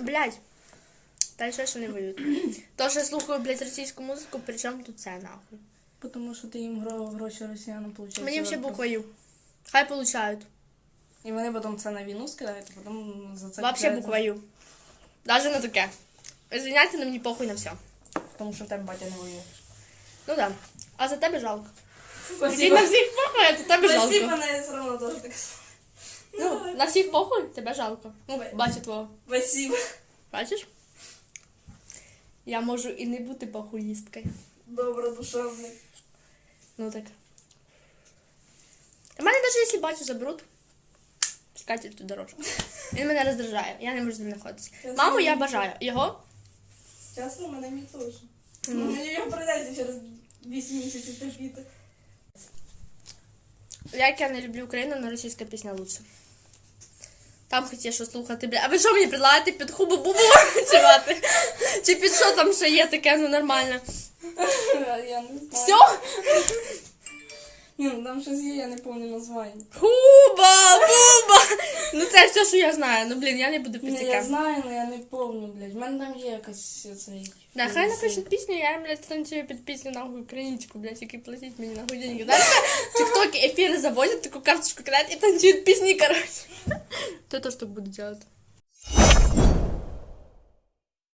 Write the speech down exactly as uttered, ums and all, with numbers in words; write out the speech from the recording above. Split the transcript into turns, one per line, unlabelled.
Блядь. Та ще що не воюють. То, що я слухаю, блядь, російську музику, при чому тут це, нахуй?
Тому що ти їм гро- гроші росіянам получають.
Мені ще буквою. Хай получають.
І вони потім це на війну скидають, а потім за це...
Вообще
кидають.
буквою. Даже на таке. Извиняйте, но мені похуй на все.
Тому що в тебе батя не воює.
Ну да. А за тебе жалко. Мені
Спасибо.
на всіх похуй, а за тебе
Спасибо,
жалко.
мене все одно теж так.
Ну, на всіх похуй, тебе жалко. Ну,
Ой.
бачу твого.
Спасибо.
Бачиш? Я можу і не бути похуїсткою.
Добродушевний.
Ну так. У мене навіть якщо батю заберуть, пускайте ту дорожку. Він мене роздражає, я не можу з ним знаходитися. Маму я бажаю. Його?
Чесно, мене мій теж.
Ну.
Мені його прийдеться через вісім місяців терпіти.
Як я не люблю Україну, але російська пісня лучше. Там хоч є що слухати, бля. А ви що мені предлагаєте під хубу-бубу співати? Чи під що там ще є таке, ну нормально?
Я не знаю.
Все?
Ні, ну там щось є, я не пам'ятаю названня.
Хуба, буба! Ну це все, що я знаю. Ну блін, я не буду під
Ні, я
таке.
знаю, але я не пам'ятаю, блядь. У мене там є якась цей...
Да, хай напишуть пісню, я, блядь, станцюю під пісню нахуй українську, блядь, які платять мені нахуй деньги. Знаєш, тиктоки ефіри заводять, таку карточку кидають і танцюють пісні, короче. То то, що буду делать.